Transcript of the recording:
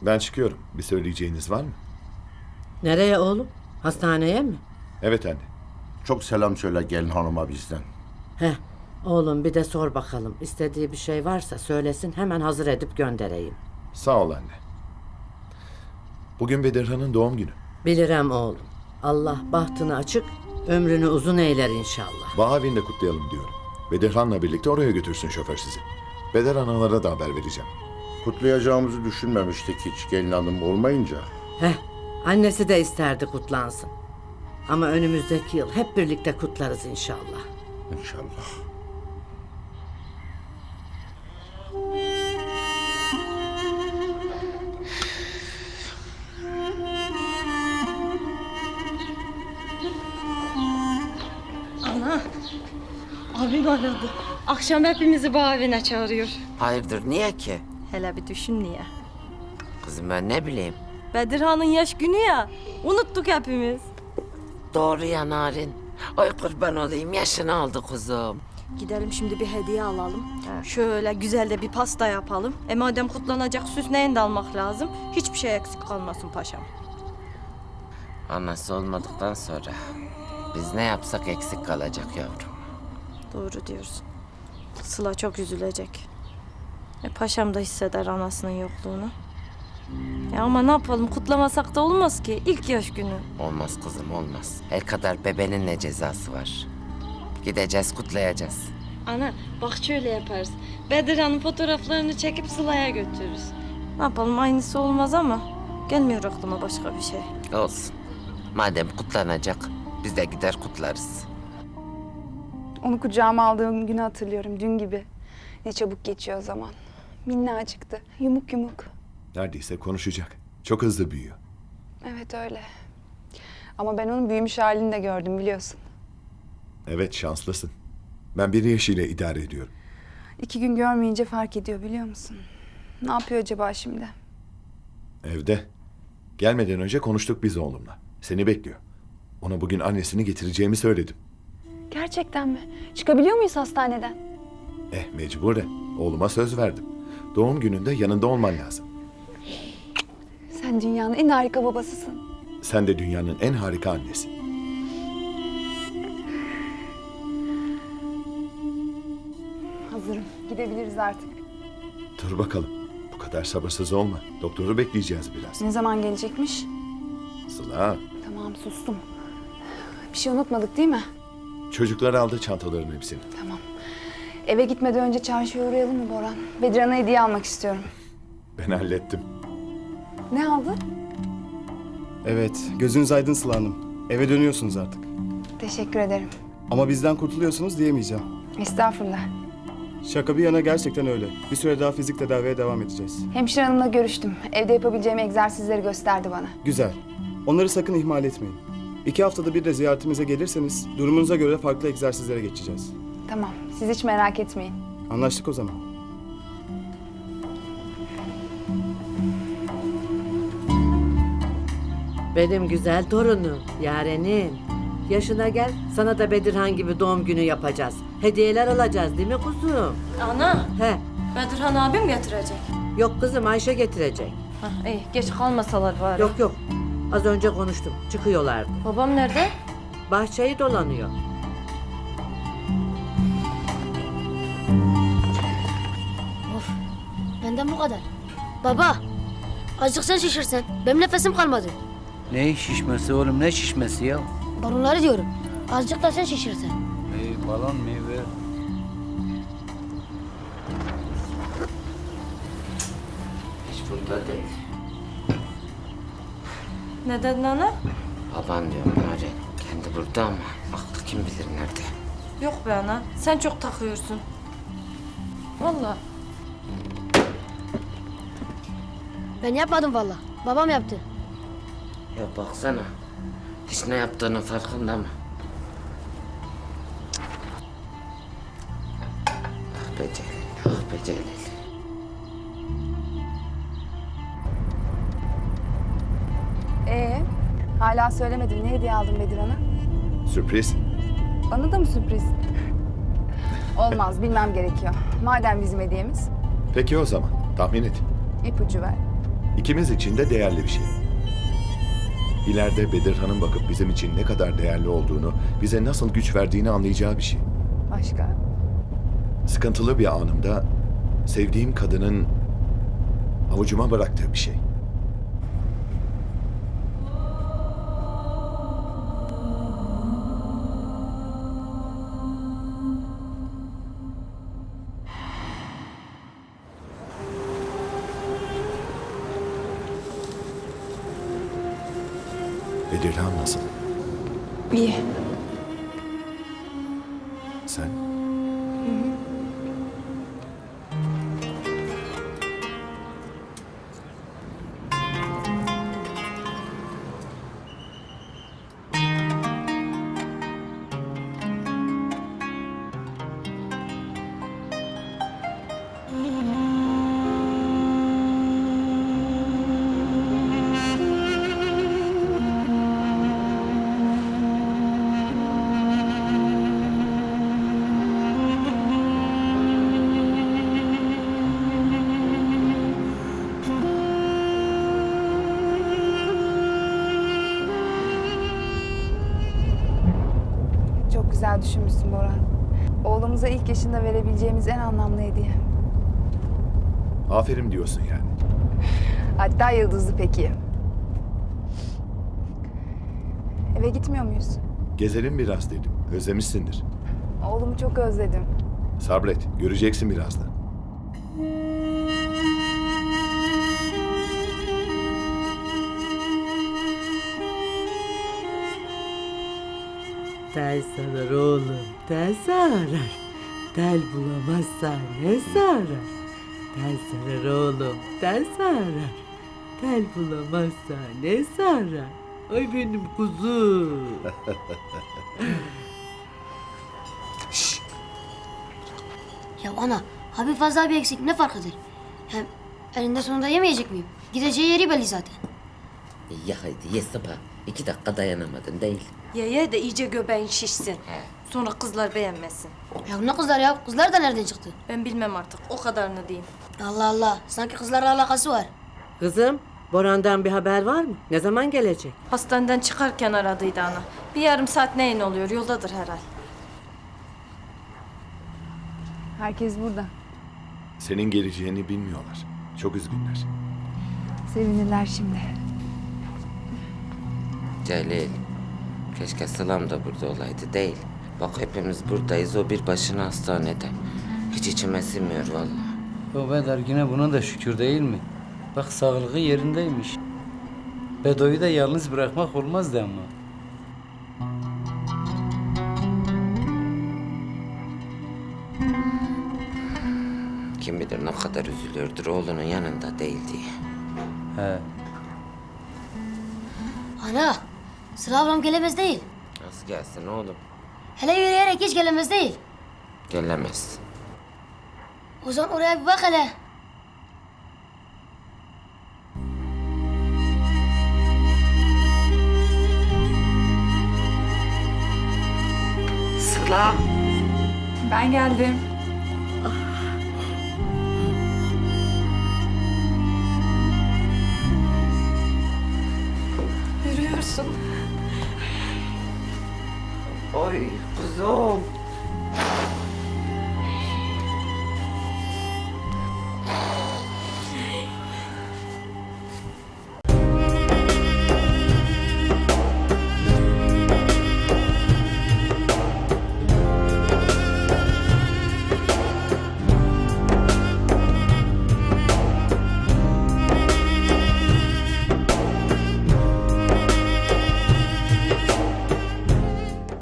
Ben çıkıyorum. Bir söyleyeceğiniz var mı? Nereye oğlum? Hastaneye mi? Evet anne. Çok selam söyle gelin hanıma bizden. Heh, oğlum bir de sor bakalım. İstediği bir şey varsa söylesin, hemen hazır edip göndereyim. Sağ ol anne. Bugün Bedirhan'ın doğum günü. Bilirim oğlum. Allah bahtını açık, ömrünü uzun eyler inşallah. Bağavin'de kutlayalım diyorum. Bedirhan'la birlikte oraya götürsün şoför sizi. Beder analara da haber vereceğim. Kutlayacağımızı düşünmemiştik hiç gelin hanım olmayınca. Heh, annesi de isterdi kutlansın. Ama önümüzdeki yıl hep birlikte kutlarız inşallah. İnşallah. Ana, abim aradı. Akşam hepimizi bu evine çağırıyor. Hayırdır niye ki? Hele bir düşün niye? Kızım ben ne bileyim. Bedirhan'ın yaş günü ya. Unuttuk hepimiz. Doğru ya Narin. Ay kurban olayım yaşını aldı kuzum. Gidelim şimdi bir hediye alalım. Şöyle güzel de bir pasta yapalım. Madem kutlanacak süsleyin de almak lazım. Hiçbir şey eksik kalmasın paşam. Anası olmadıktan sonra biz ne yapsak eksik kalacak yavrum. Doğru diyorsun. Sıla çok üzülecek. Paşam da hisseder anasının yokluğunu. Ya ama ne yapalım kutlamasak da olmaz ki. İlk yaş günü. Olmaz kızım olmaz. Her kadar bebenin ne cezası var. Gideceğiz kutlayacağız. Ana bak şöyle yaparız. Bedirhan'ın fotoğraflarını çekip Sıla'ya götürürüz. Ne yapalım aynısı olmaz ama gelmiyor aklıma başka bir şey. Olsun. Madem kutlanacak biz de gider kutlarız. Onu kucağıma aldığım günü hatırlıyorum dün gibi. Ne çabuk geçiyor o zaman. Minnacıktı, yumuk yumuk. Neredeyse konuşacak. Çok hızlı büyüyor. Evet öyle. Ama ben onun büyümüş halini de gördüm biliyorsun. Evet şanslısın. Ben bir yaşıyla idare ediyorum. 2 gün görmeyince fark ediyor biliyor musun? Ne yapıyor acaba şimdi? Evde. Gelmeden önce konuştuk biz oğlumla. Seni bekliyor. Ona bugün annesini getireceğimi söyledim. Gerçekten mi? Çıkabiliyor muyuz hastaneden? Mecburen. Oğluma söz verdim. Doğum gününde yanında olman lazım. Sen dünyanın en harika babasısın. Sen de dünyanın en harika annesi. Hazırım. Gidebiliriz artık. Dur bakalım. Bu kadar sabırsız olma. Doktoru bekleyeceğiz biraz. Ne zaman gelecekmiş? Sıla, Tamam sustum. Bir şey unutmadık değil mi? çocuklar aldı çantaların hepsini. Tamam. Eve gitmeden önce çarşıya uğrayalım mı Boran? Bedirhan'a hediye almak istiyorum. Ben hallettim. Ne aldın? Evet, gözünüz aydın Sıla Hanım. Eve dönüyorsunuz artık. Teşekkür ederim. Ama bizden kurtuluyorsunuz diyemeyeceğim. Estağfurullah. Şaka bir yana gerçekten öyle. Bir süre daha fizik tedaviye devam edeceğiz. Hemşire hanımla görüştüm. Evde yapabileceğim egzersizleri gösterdi bana. Güzel. Onları sakın ihmal etmeyin. 2 haftada bir de ziyaretimize gelirseniz durumunuza göre farklı egzersizlere geçeceğiz. Tamam, siz hiç merak etmeyin. Anlaştık o zaman. Benim güzel torunum, Yarenim. Yaşına gel, sana da Bedirhan gibi doğum günü yapacağız. Hediyeler alacağız değil mi kuzum? Ana, He, Bedirhan abim getirecek. yok kızım Ayşe getirecek. Hah, iyi geç kalmasalar bari. Yok yok, az önce konuştum, çıkıyorlardı. Babam nerede? Bahçeyi dolanıyor. Benden bu kadar. Baba, azıcık sen şişirsen. Benim nefesim kalmadı. Ne şişmesi oğlum ne şişmesi ya? Balonları diyorum. Azıcık da sen şişirsen. Balon meyve. Hiç burada değil. Ne dedin ana? Baban diyorum Narin. Kendi burada ama aklı kim bilir nerede. Yok be ana, sen çok takıyorsun. Vallahi. Ben yapmadım valla. Babam yaptı. Ya baksana. Hiç ne yaptığının farkında mı? Ah be Celil, ah be Celil. Hala söylemedim. Ne hediye aldın Bedirhan'a? Sürpriz. Bana da mı sürpriz? Olmaz, bilmem gerekiyor. Madem bizim hediyemiz, Peki o zaman tahmin et. ipucu ver. İkimiz için de değerli bir şey. İleride Bedirhan'ın bakıp bizim için ne kadar değerli olduğunu, bize nasıl güç verdiğini anlayacağı bir şey. Başka? Sıkıntılı bir anımda sevdiğim kadının avucuma bıraktığı bir şey. Bedirhan nasıl? İyi. Sen? Çok güzel düşünmüşsün Boran. Oğlumuza ilk yaşında verebileceğimiz en anlamlı hediye. Aferin diyorsun yani. Hatta yıldızlı peki. Eve gitmiyor muyuz? Gezelim biraz dedim. Özlemişsindir. Oğlumu çok özledim. Sabret, göreceksin birazdan. Tel sarar oğlum, tel sarar. Tel bulamazsa ne sarar? Tel sarar oğlum, tel sarar. Tel bulamazsa ne sarar? Ay benim kuzum. Ya ana, abi fazla bir eksik ne fark eder? Hem elinde sonunda yemeyecek miyim? Gideceği yeri belli zaten. Ya haydi ye sabah. 2 dakika dayanamadın değil. Ye de iyice göbeğin şişsin. Sonra kızlar beğenmesin. Ya ne kızlar ya? Kızlar da nereden çıktı? Ben bilmem artık. O kadarını diyeyim. Allah Allah, sanki kızlarla alakası var. Kızım, Boran'dan bir haber var mı? Ne zaman gelecek? Hastaneden çıkarken aradıydı ana. Bir yarım saat neyin oluyor? Yoldadır herhal. Herkes burada. Senin geleceğini bilmiyorlar. Çok üzgünler. Sevinirler şimdi. Celil. Keşke Sılam da burada olaydı değil. Bak hepimiz buradayız. O bir başına hastanede. Hiç içime sinmiyor vallahi. O Bedar yine buna da şükür değil mi? Bak sağlığı yerindeymiş. Bedo'yu da yalnız bırakmak olmazdı ama. Kim bilir ne kadar üzülüyordur oğlunun yanında değil diye. He. Ana, Sıra ablam gelemez değil. Nasıl gelsin oğlum? Hele yürüyerek hiç gelemez değil. Gelemez. O zaman oraya bir bak hele. Sıla. Ben geldim. Yürüyorsun. Oy kuzum.